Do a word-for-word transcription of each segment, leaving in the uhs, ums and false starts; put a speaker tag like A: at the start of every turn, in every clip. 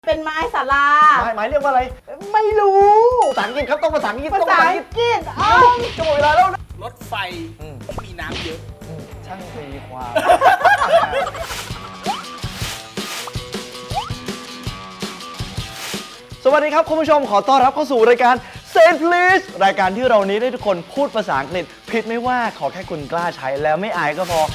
A: เป็นไม้ศาลา
B: ไม้ไม้เรียกว่าอะไร
A: ไม่รู้
B: ภาษาอังกฤษครับต้องภาษาอังกฤษ
A: ภา
B: ต้อง
A: ษา
B: ภาษาอั
A: อั
B: ง
A: ง
B: กฤษ
A: กฤษอ้าว
B: จะหมดเวลาแล้วนะ
C: รถไฟที่มีน้ำเยอะ
B: ช่างตีความ สวัสดีครับคุณผู้ชมขอต้อนรับเข้าสู่รายการ Say Please รายการที่เรานี้ได้ทุกคนพูดภาษาอังกฤษผิดไม่ว่าขอแค่คุณกล้าใช้แล้วไม่อายก็พอ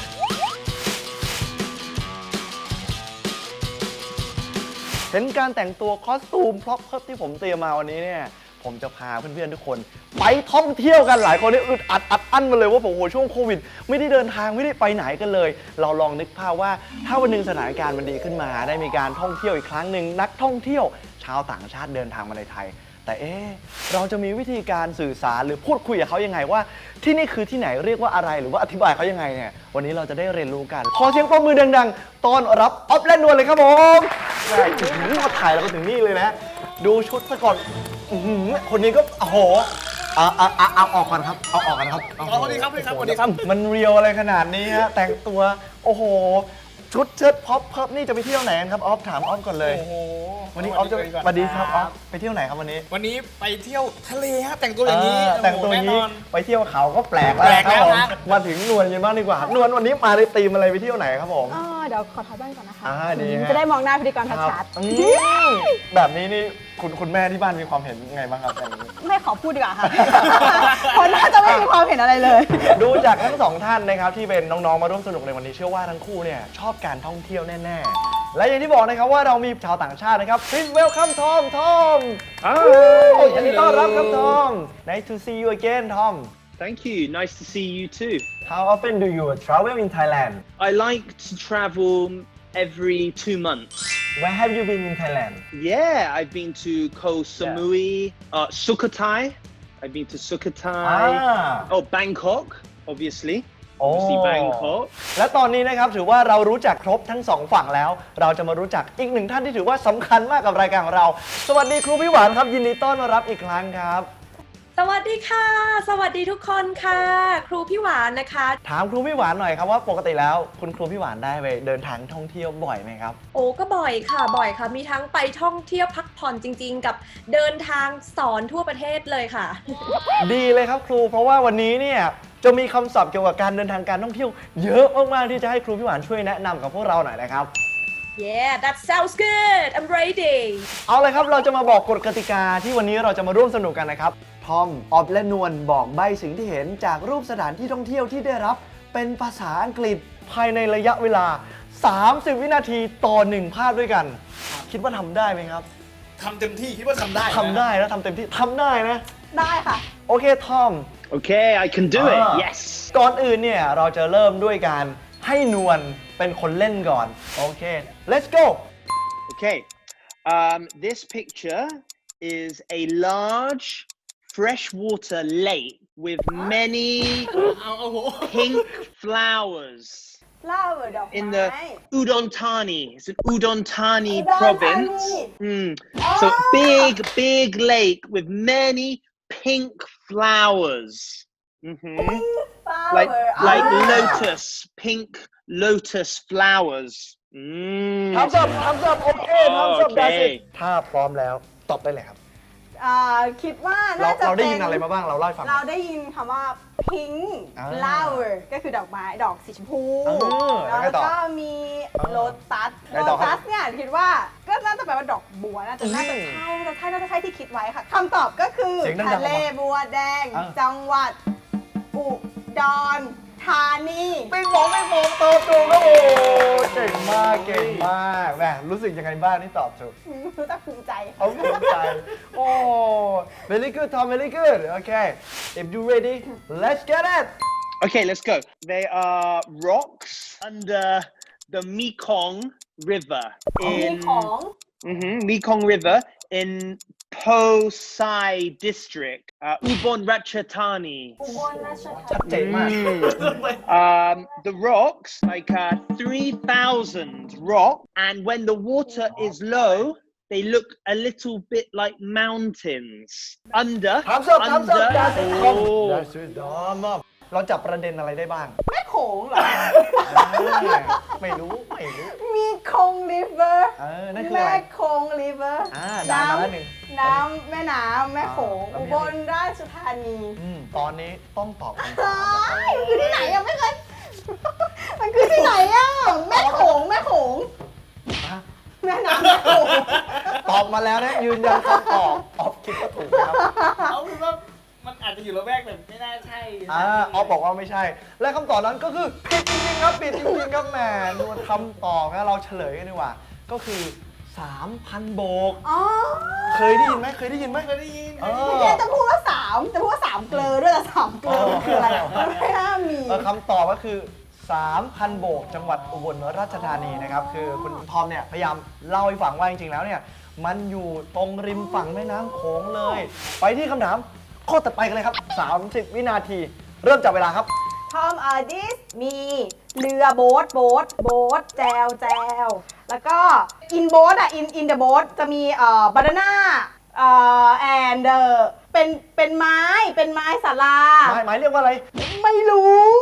B: เห็นการแต่งตัวคอสตูมพร็อพที่ผมเตรียมมาวันนี้เนี่ยผมจะพาเพื่อนๆทุกคนไปท่องเที่ยวกันหลายคนนี่อึดอัดอัดอั้นมาเลยว่าผมโหช่วงโควิดไม่ได้เดินทางไม่ได้ไปไหนกันเลย เราลองนึกภาพว่าถ้าวันหนึ่งสถานการณ์มันดีขึ้นมาได้มีการท่องเที่ยวอีกครั้งหนึ่งนักท่องเที่ยวชาวต่างชาติเดินทางมาในไทย แต่เอ๊ะเราจะมีวิธีการสื่อสารหรือพูดคุยกับเขายังไงว่าที่นี่คือที่ไหนเรียกว่าอะไรหรือว่าอธิบายเขายังไงเนี่ยวันนี้เราจะได้เรียนรู้กันขอเสียงปรบมือดังๆต้อนรับออฟและนวลเลยครับผมแม่ถึงมาถ่ายเราก็ถึงนี่เลยนะดูชุดซะก่อนอื้อหือคนนี้ก็โอ้โหเอาเอาเอาเอาออกก่อนครับเอาออกก่อนครับ
C: อ๋อสวัสดีครับสวัสดีครับสวัสดีครับ
B: มันเรียวอะไรขนาดนี้ฮะแต่งตัวโอ้โหชุดเชิ้ตพ็อปเพิบนี่จะไปเที่ยวไหนกันครับออฟถามออฟก่อนเลย
C: โอ้โห
B: วันนี้ออฟจะสวัสดีครับออฟไปเที่ยวไหนครับวันนี้
C: วันนี้ไปเที่ยวทะเลฮะแต่งตัวอย่างนี้
B: เออแต่งตัวอย่างนี้
C: โโหแน่นอน
B: ไปเที่ยวเขาก็แปลกแล้ว
C: แปลก
B: ครับ
C: แล้ว
B: ผม
C: ครับ
B: มาถึงนวลกันบ้างดีกว่านวลวันนี้มาในธีมอะไรไปเที่ยวไหนครับผม
A: อ๋อเดี๋ยวขอถอยบ้านก่อนนะคะ
B: อ่าดีฮะ
A: จะได้มองหน้าพิธีกร
B: ครั
A: ชัด
B: อืมแบบนี้นี่คุณคุณแม่ที่บ้านมีความเห็นไงบ้างครับแบบนี้
A: ๆไม่ขอพูดดีกว่าค่ะ เพราะน่าจะไม่มีความเห็นอะไรเลย
B: ดูจากทั้งสองท่านนะครับที่เป็นน้องๆมาร่วมสนุกในวันนี้เชื่อว่าทั้งคู่เนี่ยชอบการท่องเที่ยวแน่ๆและอย่างที่บอกนะครับว่าเรามีชาวต่างชาตินะครับ Please welcome Tom Tom ยินดีต้อนรับครับทอม Nice to see you again Tom
D: Thank you. Nice to see you too.
B: How often do you travel in Thailand
D: I like to travel every two months.
B: Where have you been in Thailand
D: Yeah, I've been to Koh Samui, uh, Sukhothai. I've been to Sukhothai.
B: Ah.
D: Oh, Bangkok, obviously.
B: โอ้
D: Obviously Bangkok.
B: และตอนนี้นะครับถือว่าเรารู้จักครบทั้งสองฝั่งแล้ว เราจะมารู้จักอีกหนึ่งท่านที่ถือว่าสำคัญมากกับรายการของเรา สวัสดีครูพี่หวานครับยินดีต้อนรับอีกครั้งครับ
E: สวัสดีค่ะ สวัสดีทุกคนค่ะ ครูพี่หวานนะคะ
B: ถามครูพี่หวานหน่อยครับว่าปกติแล้วคุณครูพี่หวานได้ไปเดินทางท่องเที่ยวบ่อยไหมครับ
E: โอ้ก็บ่อยค่ะ บ่อยค่ะ มีทั้งไปท่องเที่ยวพักผ่อนจริงๆ กับเดินทางสอนทั่วประเทศเลยค่ะ
B: ดีเลยครับครูเพราะว่าวันนี้เนี่ยจะมีคำศัพท์เกี่ยวกับการเดินทางการท่องเที่ยวเยอะมากๆที่จะให้ครูพี่หวานช่วยแนะนำกับพวกเราหน่อยนะครับ
E: Yeah that sounds good I'm ready
B: เอาเลยครับเราจะมาบอกกฎกติกาที่วันนี้เราจะมาร่วมสนุกกันนะครับทอมออฟและนวลบอกใบสิ่งที่เห็นจากรูปสถานที่ท่องเที่ยวที่ได้รับเป็นภาษาอังกฤษภายในระยะเวลาสามสิบวินาทีต่อหนึ่งภาพด้วยกัน คิดว่าทำได้ไหมครับ
C: ทำเต็มที่คิดว่าทำได้นะ
B: ทำได้นะทำเต็มที่ทำได้นะ
A: ได้ค่ะ
B: โอเคทอม
D: Okay, I can do it.
B: Ah.
D: Yes.
B: ก่อนอื่นเนี่ยเราจะเริ่มด้วยการให้นวลเป็นคนเล่นก่อนโอเค let's go
D: Okay. Um, this picture is a large freshwater lake with many
C: เอาเอาโห
D: pink flowers.
A: เล่าดอกไม้
D: In the Udon Thani. It's an Udon Thani
A: Udon
D: province.
A: Thani.
D: Mm. So big, big lake with many pink flowers. hmm Like like lotus, pink lotus flowers. Mm.
B: ทำสับทำสับโอเคทำสับ
D: โอเค
B: ได้สิถ้าพร้อมแล้วตอบได้เลยครับ
A: อ่าคิดว่า
B: เรา
A: น่าจะ
B: เราได้
A: เป็น
B: ยินอะไรมาบ้างเราเล่าให้ฟัง
A: เราได้ยินคำว่า pink
B: อ่า
A: flower ก็คือดอกไม้ดอกสีชมพู
B: เออแล้วไงต่อ
A: ก็มีโลตัส
B: ไง
A: โล
B: ต่อครับ
A: ตัสเนี่ยคิดว่าก็น่าจะแปลว่าดอกบัวน่าจะ
B: อืม
A: น่าจะใช่น่าจะใช่น่าจะใช่ที่คิดไว้ค่ะคำตอบก็คือ
B: เสียงดังๆ
A: ทะเลบัวแดง
B: อ่า
A: จังหวัดอุดรธานี
B: ไม่มองไม่มองตอบถูกครับโอ้เก่งมากเก่งมากแหมรู้สึกยังไงบ้างที่ตอบถูก
A: รู้จักภูมิใจ
B: เขาภูมิใจ โอ้ very good Tom very good okay if you ready let's get it
D: Okay, let's go. They are rocks under the Mekong River
A: มี
D: in
A: ของ
D: Mhm, Mekong River in Po Sai District, uh, Ubon Ratchathani.
A: อุบลราชธา
B: ชัด
A: นี
B: เจนมาก
D: Um, the rocks, like uh, three thousand rock, and when the water is low, they look a little bit like mountains. Under,
B: ทำสับทำสับ
D: under,
B: ได้สิ
D: oh,
B: ได้สิดอมเราจับประเด็นอะไรได้บ้าง
A: แม่โคงเหรอ
B: ไม่รู้ไม่รู้
A: มีคง river
B: เออนั่นคืออะไร
A: แม่คง river
B: อ่าได้มาแล้วหนึ่ง
A: น้ำแม่น้ำแม่โขง
B: อ่า
A: อุบลราชธานี
B: อืมตอนนี้ต้องตอบคำถาม
A: เฮ้
B: นะครับ
A: ยมันคือที่ไหนอะไม่เคย มันคือที่ไหนอะแม่โขงแม่โขง
B: ฮะ
A: แม่น้ำแม่โขง
B: ตอบมาแล้วนะยืนยันคำตอบออฟคิดว่าถูกนะครับ
C: เอาเป็นว่ามันอาจจะอยู่ละแวกแต่ไม่น่าใช่
B: อ่าออฟบอกว่าไม่ใช่ และคำตอบนั้นก็คือผิดจริงๆครับผิดจริงๆครับแหมดูคำตอบนะเราเฉลยกันดีกว่า ก็คือ สามพัน โบก
A: อ๋อ
B: เคยได้ยินไหมเคยได้ยินไหม
C: เคยได้ยิน
B: เอ
A: เมื่อ
B: อ
A: กี้จะพูดว่าสามจะพูดว่าสามเกลอด้วยแต่สามเกลอมันคืออะไรมันไม่น่ามี
B: เออคำตอบก็คือ สามพัน โบก จังหวัดอุบลราชธานีนะครับ คือคุณทอมเนี่ยพยายามเล่าให้ฟังว่าจริงๆแล้วเนี่ยมันอยู่ตรงริมฝั่งแม่น้ำโขงเลย ไปที่คำถามข้อต่อไปกันเลยครับ สามสิบ วินาที เริ่มจับเวลาครับ
A: ทอมเออดิสมีเรือโบ๊ทโบ๊ทโบ๊ทแจวแจวแล้วก็อินโบ๊ทอะอินอินเดอะโบ๊ทจะมีเอ่อบานาน่าเอ่อแอนเดอร์เป็นเป็นไม้เป็นไม้สารา
B: หมายหมายเรียกว่าอะไร
A: ไม่รู้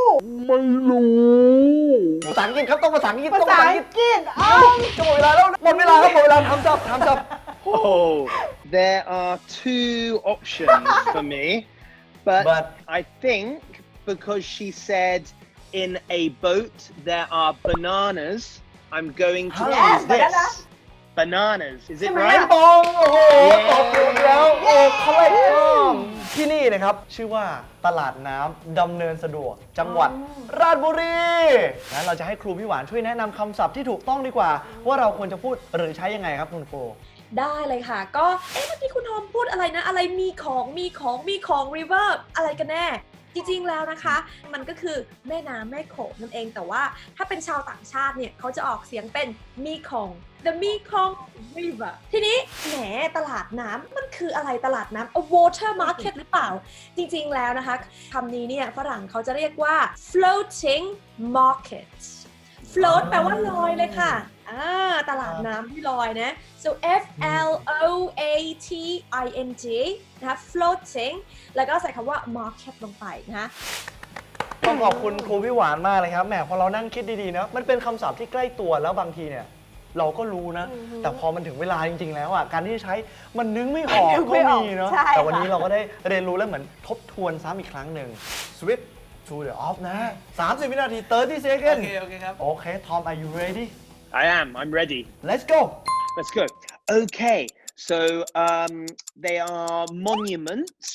B: ภาษาอังกฤษครับต้องภาษาอังกฤษ
A: ภา
B: ต้อง
A: ษา
B: ภาษาอั
A: อั
B: งกฤ
A: ง
B: ษ
A: กฤษอ้าว
B: จะหมดเวลาแล้วหมดเวลาครับหมดเวลาทำจับทำจับ
D: Oh, there are two options for me, but,
B: But-
D: I think because she said in a boat there are bananas, I'm going to
B: Yes,
D: choose this.
A: banana.
D: Bananas, is it
A: ใช่ไหม
D: right?
B: ปองโอ้โห
D: เย้
B: ตอบถูกแล้วโอ้เขาเลยต้องที่นี่นะครับ ชื่อว่าตลาดน้ำดำเนินสะดวก จังหวัดราชบุรีงั้นเราจะให้ครูพี่หวานช่วยแนะนำคำศัพท์ที่ถูกต้องดีกว่า ว่าเราควรจะพูดหรือใช้ยังไงครับคุณครู
E: ได้เลยค่ะ ก็เอ๊ะเมื่อกี้คุณทอมพูดอะไรนะ อะไรมีของมีของมีของ river อะไรกันแน่ จริงๆแล้วนะคะ มันก็คือแม่น้ำแม่โขงนั่นเอง แต่ว่าถ้าเป็นชาวต่างชาติเนี่ยเขาจะออกเสียงเป็นมีของ the Mekong River ทีนี้แหมตลาดน้ำมันคืออะไรตลาดน้ำ a water market หรือเปล่า จริงๆแล้วนะคะคำนี้เนี่ยฝรั่งเขาจะเรียกว่า floating market float แปลว่าลอยเลยค่ะอ่าตลาดน้ำที่ลอยนะ so F L O A T I N G นะคะ floating แล้วก็ใส่คำว่า market ลงไปนะคะ
B: ต้องขอบคุณครูพี่หวานมากเลยครับแหมพอเรานั่งคิดดีๆนะมันเป็นคำศัพท์ที่ใกล้ตัวแล้วบางทีเนี่ยเราก็รู้นะ แต่พอมันถึงเวลาจริงๆแล้วอ่ะการที่จะใช้มันนึกไม่ออก
A: นึก
B: ก็
A: ไม่ออก
B: มีเนาะ
A: ใช่
B: แต่วันนี้
A: ค่ะ
B: เราก็ได้เรียนรู้แล้วเหมือนทบทวนซ้ำอีกครั้งหนึ่ง switch to the off นะ สามสิบ วินาที 30
C: โอ
B: second
C: เค โอเคครับ
B: โอเค Tom are you ready
D: I am, I'm ready.
B: let's go
D: Let's go. Okay, so um, they are monuments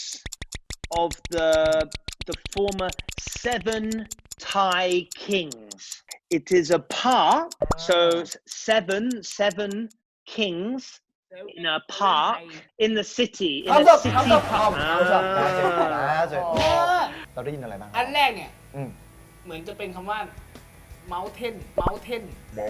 D: of the the former seven Thai kings. It is a park, so s- seven seven kings in a park in the city. In
B: Thumbs
D: a
B: up
D: city
B: Thumbs up
D: park.
B: Thumbs up That's it That's it
C: เออ
B: เราได้ยินอะไรบ้าง
C: อันแรกเนี่ย
B: อืม
C: เหมือนจะเป็นคำว่า mountain mountain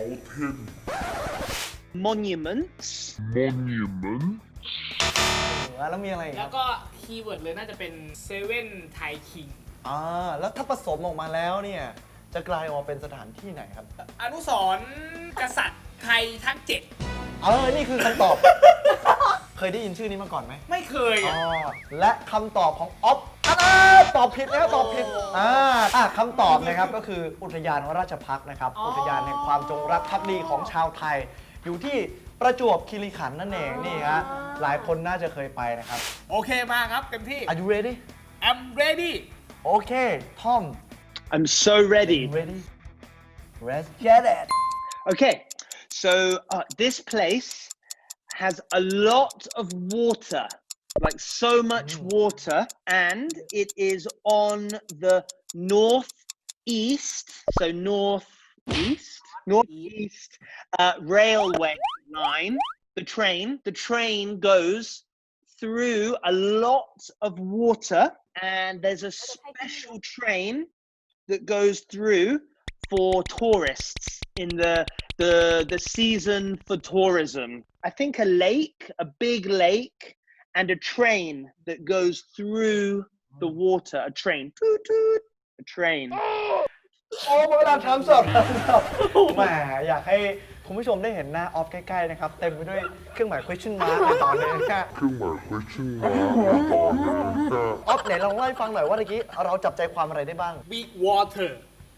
D: Monuments.
F: Monument.
B: แล้วมีอะไรอีกค
C: แล้
B: รั
C: ว
B: บ
C: ก็คีย์เวิร์ดเลยน่าจะเป็น seven Thai king
B: อ่าแล้วถ้าผสมออกมาแล้วเนี่ยจะกลายออกมาเป็นสถานที่ไหนครับ
C: อนุสรณ์กษัตริย์ไทยทั้งเจ็ด
B: เออ นี่คือคำตอบ เคยได้ยินชื่อนี้มาก่อนไหม
C: ไม่เคย
B: อ๋อ
C: อะ
B: และคำตอบของออฟอ่าตอบผิดแล้วตอบผิด อ่าอ่ะคำตอบนะครับก็คืออุทยานราชพักษ์นะครับ อุทยานแห่งความจงรักภักดีของชาวไทย อยู่ที่ประจวบคีรีขันธ์นั่นเอง นี่ฮะ หลายคนน่าจะเคยไปนะครับ
C: โอเคมาครับเต็มที่
B: Are you ready
C: I'm ready
B: โอเค Tom
D: I'm so ready.
B: ready Let's get it
D: Okay, so uh, this place has a lot of water, like so much water, and it is on the northeast, so northeast, northeast uh, railway line. The train, the train goes through a lot of water, and there's a special train that goes through for tourists in the the the season for tourism. I think a lake, a big lake, and a train that goes through the water. A train, toot toot, a train.
B: โอ้เวลาทำสดทำสดแหมอยากให้คุณผู้ชมได้เห็นหน้าออฟใกล้ๆนะครับ เต็มไปด้วยเครื่องหมาย question mark ในตอนนี้นะ
F: เครื่องหมาย question mark ในตอนนี้ก็
B: ออฟไหนลองเล่าให้ฟังหน่อยว่าเมื่อกี้เราจับใจความอะไรได้บ้าง
C: big water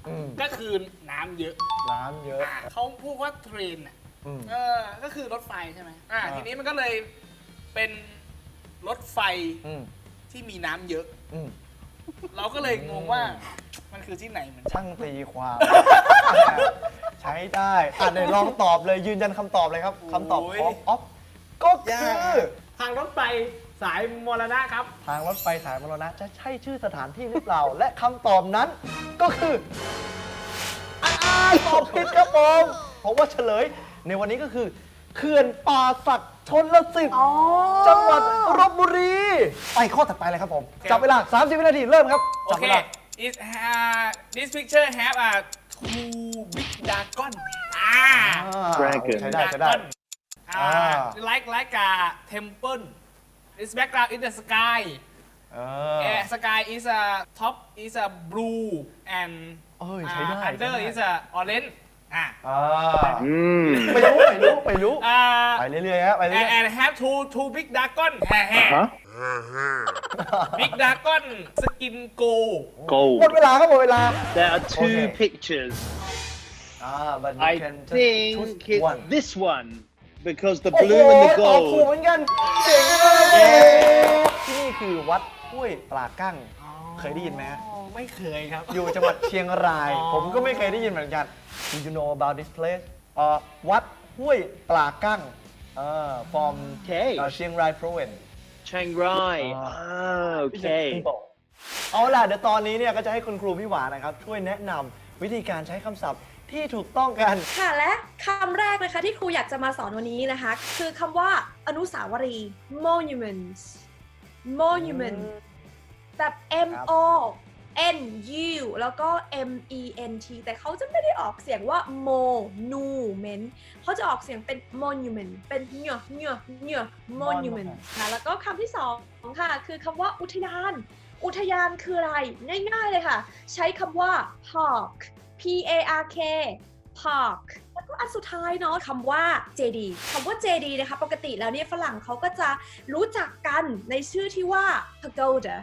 B: อืม
C: ก็คือน้ำเยอะ
B: น้ำเยอะ
C: อ่าเขาพูดว่าเทรนอ่ะ
B: อืม
C: เออก็คือรถไฟใช่ไหมอ่า
B: อ่า
C: ทีนี้มันก็เลยเป็นรถไฟ
B: อืม
C: ที่มีน้ำเยอะ
B: อืม
C: เราก็เลยงงว่ามันคือที่ไหนเหมือนกัน
B: ช่างตีความ ใช้ได้อ่ะเดี๋ยวลองตอบเลยยืนยันคำตอบเลยครับคำตอบของออฟก็คือ
C: ทางรถไฟสายมรณะครับ
B: ทางรถไฟสายมรณะจะใช่ชื่อสถานที่หรือเปล่า และคำตอบนั้นก็คืออ่าตอบผิดครับผมเพราะว่าเฉลยในวันนี้ก็คือเขื่อนป่าสักชนลสิทธิ์
A: อ๋อ
B: จังหวัดลพบุรี ไปข้อถัดไปเลยครับผม จับเวลา สามสิบ วินาทีเริ่มครับ
C: โอ
B: จับ
C: เค
B: เวลา
C: It uh, this picture have a two big dragon อ่า
D: Dragon
B: ใช้ได้ใช้ได้
C: dragon อ่า
B: อ่า
C: like like a temple its background is the sky
B: เออ
C: yeah, sky is a top is a blue and
B: เอ้ยใช้ได้
C: uh, under
B: ใช้ได้
C: is a orange อ่า
B: อ่า
D: Mm.
B: ไม่รู้ไม่รู้ไม่รู้
C: อ่า
B: ไปเรื่อยๆฮะไปเรื่อย
C: and, and have two two big dragon แฮ่แฮ่
D: Huh?
C: big dragon skin go
B: ๆ
D: Gold.
B: หมดเวลาครับหมดเวลา
D: There are two
B: Okay.
D: pictures.
B: อ่า but you
D: I
B: can just
D: think
B: choose
D: it's
B: one
D: this one because the
B: โอ้โห
D: blue and the
B: ตอบถูกเห
D: gold.
B: มือนกันเจ๋งมากเลยที่นี่คือวัดห้วยปลากั้ง เคยได้ยินไหมฮะ
C: อ๋อไม่เคยครับ
B: อยู่จังหวัดเชียงราย
C: อ๋อ
B: ผมก็ไม่เคยได้ยินเหมือนกัน Do you know about this place เอ่อวัดห้วยปลากั้งเอ่อ from
D: Okay.
B: เอ่อเชียงราย province
D: Chiang Rai.
B: Ah.
D: Ah, okay.
B: เอาล่ะเดี๋ยวตอนนี้เนี่ยก็จะให้คุณครูพี่หวานนะครับ ช่วยแนะนำวิธีการใช้คำศัพท์ที่ถูกต้องกัน
E: ค่ะและคำแรกนะคะที่ครูอยากจะมาสอนวันนี้นะคะ คือคำว่าอนุสาวรีย์ monument monument แบบ M O N U แล้วก็ M E N T แต่เขาจะไม่ได้ออกเสียงว่า monument เขาจะออกเสียงเป็น monument เป็นเนื้อเนื้อเนื้อ monument ค่ะแล้วก็คำที่สองค่ะคือคำว่าอุทยาน อุทยานคืออะไร ง่ายๆเลยค่ะ ใช้คำว่า park P A R K park แล้วก็อันสุดท้ายเนาะคำว่า เจ ดี คำว่า เจ ดี นะคะปกติแล้วเนี่ยฝรั่งเขาก็จะรู้จักกันในชื่อที่ว่า pagoda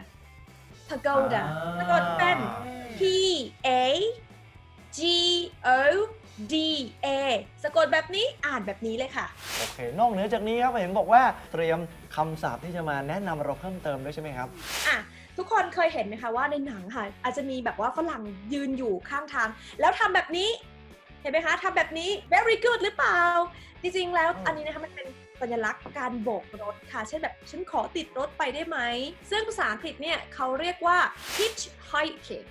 E: pagoda สะกดเป็น P A G O D A สะกดแบบนี้อ่านแบบนี้เลยค่ะ
B: โอเค นอกเหนือจากนี้ครับเห็นบอกว่าเตรียมคำศัพท์ที่จะมาแนะนำเราเพิ่มเติมด้วยใช่ไหมครับ
E: อ่ะทุกคนเคยเห็นไหมคะว่าในหนังค่ะ อาจจะมีแบบว่าฝรั่งยืนอยู่ข้างทาง แล้วทำแบบนี้ เห็นไหมคะทำแบบนี้ very good หรือเปล่า จริงๆ แล้ว
B: อืม
E: อันนี้นะคะมันเป็นสัญลักษณ์การโบกรถค่ะ เช่นแบบฉันขอติดรถไปได้ไหม ซึ่งภาษาอังกฤษเนี่ยเขาเรียกว่า hitchhiking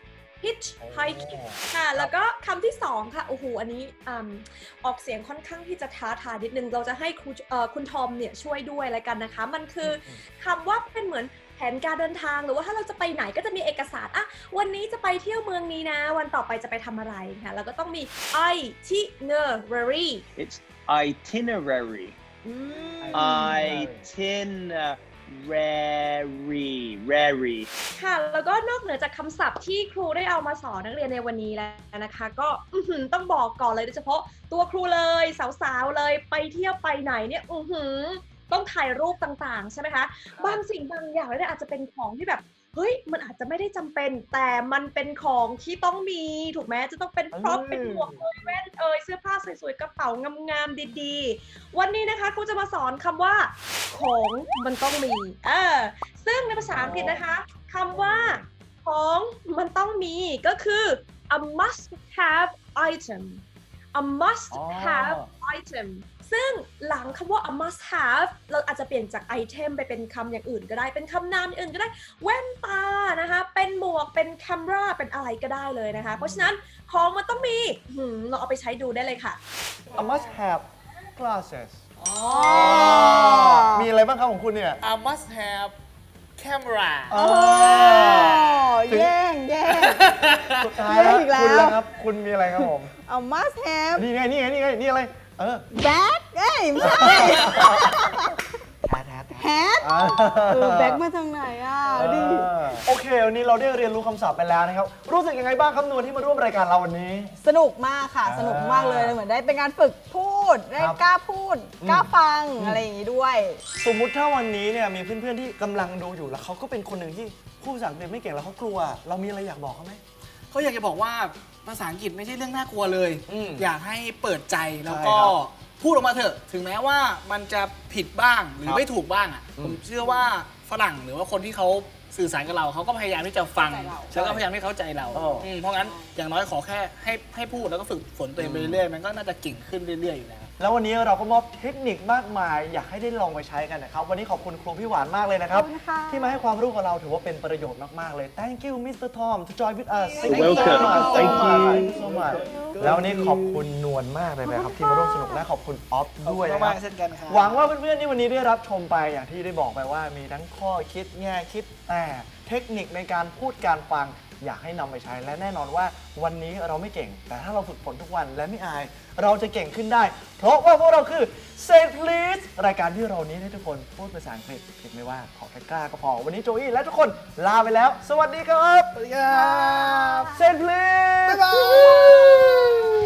E: hitchhiking ค่ะ แล้วก็คำที่สองค่ะ โอ้โห อันนี้อืมออกเสียงค่อนข้างที่จะท้าทายนิดนึง เราจะให้ครูเอ่อคุณทอมเนี่ยช่วยด้วยแล้วกันนะคะ มันคือคำว่าเป็นเหมือนแผนการเดินทาง หรือว่าถ้าเราจะไปไหนก็จะมีเอกสาร อ่ะ วันนี้จะไปเที่ยวเมืองนี้นะ วันต่อไปจะไปทำอะไรค่ะ แล้วก็ต้องมี itinerary
D: It's itinerary.
E: อืม
D: Itinerary. Rary.
E: ค่ะ แล้วก็นอกเหนือจากคำศัพท์ที่ครูได้เอามาสอนนักเรียนในวันนี้แล้วนะคะ ก็อื้อหือต้องบอกก่อนเลยโดยเฉพาะตัวครูเลยสาวๆเลยไปเที่ยวไปไหนเนี่ยอือหือต้องถ่ายรูปต่างๆใช่ไหมคะบางสิ่งบางอย่างเนี่ยอาจจะเป็นของที่แบบเฮ้ยมันอาจจะไม่ได้จำเป็น แต่มันเป็นของที่ต้องมีถูกไหมจะต้องเป็นพร็อพ
B: อืม
E: เป็นหมวกเอยแว่นเอยเสื้อผ้าสวยๆกระเป๋างามๆดีๆ วันนี้นะคะครูจะมาสอนคำว่าของมันต้องมีเออซึ่งในภาษาอังกฤษนะคะคำว่าของมันต้องมีก็คือ a must have item a must
B: อ๋อ
E: have item ซึ่งหลังคำว่า a must have เราอาจจะเปลี่ยนจาก item ไปเป็นคำอย่างอื่นก็ได้เป็นคำนามอย่างอื่นก็ได้แว่นตานะคะเป็นหมวกเป็นแคมราเป็นอะไรก็ได้เลยนะคะเพราะฉะนั้นของมันต้องมีหืมเราเอาไปใช้ดูได้เลยค่ะ
B: I must have glasses
C: อ๋อ
B: มีอะไรบ้างครับของคุณเนี่ย
C: I must have camera
B: อ๋อ
A: แย่งแย่ง
B: สุดท้าย
A: เย
B: แล้ว
A: อะอีกแล้ว
B: คุณล่ะครับ คุณมีอะไรครับผม
A: เอา must have
B: นี่ไง นี่ไง นี่ไง นี่อะไร เออ
A: bag เอ้ยไม่ใช่
B: แท้แท้แท้
A: hat
B: อ่า
A: เออ bag มาจากไหนอ่ะดิ
B: เออโอเค วันนี้เราได้เรียนรู้คำศัพท์ไปแล้วนะครับ รู้สึกยังไงบ้างครับนวลที่มาร่วมรายการเราวันนี้
A: สนุกมากค่ะ
B: อ่า
A: สนุกมากเลย เหมือนได้เป็นการฝึกพูด ได้
B: ครับ
A: กล้าพูด
B: อืม
A: กล้าฟัง
B: อืม
A: อะไรอย่างนี้ด้วย
B: สมมุติถ้าวันนี้เนี่ยมีเพื่อนๆที่กำลังดูอยู่แล้วเขาก็เป็นคนหนึ่งที่พูดภาษาอังกฤษไม่เก่งแล้วเขากลัว เรามีอะไรอยากบอกเขาไหม
C: เขาอยากจะบอกว่าภาษาอังกฤษไม่ใช่เรื่องน่ากลัวเลย
B: อืม
C: อยากให้เปิดใจแล้ว
B: ใช่
C: ก็
B: ครับ
C: พูดออกมาเถอะ ถึงแม้ว่ามันจะผิดบ้างหรือ
B: ครับ
C: ไม่ถูกบ้างอ่ะ
B: อืม
C: ผมเชื่อว่าฝรั่งหรือว่าคนที่เขาสื่อสารกับเราเขาก็พยายามที่จะฟัง
A: เข้าใจเรา
C: แล้วก็พยายามให้เข้าใจเรา
B: เอออื
C: มเพราะงั้นอย่างน้อยขอแค่ให้ให้พูดแล้วก็ฝึกฝนตัวเองไปเรื่อยๆมันก็น่าจะเก่งขึ้นเรื่อยๆอยู่แล้ว
B: แล้ววันนี้เราก็มอบเทคนิคมากมาย อยากให้ได้ลองไปใช้กันนะครับ วันนี้ขอบคุณครูพี่หวานมากเลยนะครับ
A: ขอบคุณค่ะ
B: ที่มาให้ความรู้กับเราถือว่าเป็นประโยชน์มาก ๆ เลย Thank you มิสเตอร์ Tom to join with us
D: You're welcome. Thank you.
B: Thank you so much แล้ววันนี้ขอบคุณนวลมากเลยนะครับที่มาร่วมสนุกและขอบคุณออฟด้วยนะค
C: มา
B: รับ
C: กๆเช่นกันครับ
B: หวังว่าเพื่อนๆที่วันนี้ได้รับชมไปอย่างที่ได้บอกไปว่ามีทั้งข้อคิดแง่คิดแต่เทคนิคในการพูดการฟังอยากให้นำไปใช้และแน่นอนว่าวันนี้เราไม่เก่ง แต่ถ้าเราฝึกฝนทุกวันและไม่อาย เราจะเก่งขึ้นได้ เพราะว่าพวกเราคือ Say Please รายการที่เรานี้ให้ทุกคนพูดภาษาอังกฤษผิดไม่ว่าขอแค่กล้าก็พอ วันนี้โจอี้และทุกคนลาไปแล้ว สวัสดีครับ
C: สวัสดีครับ
B: Say Please
C: บ๊ายบาย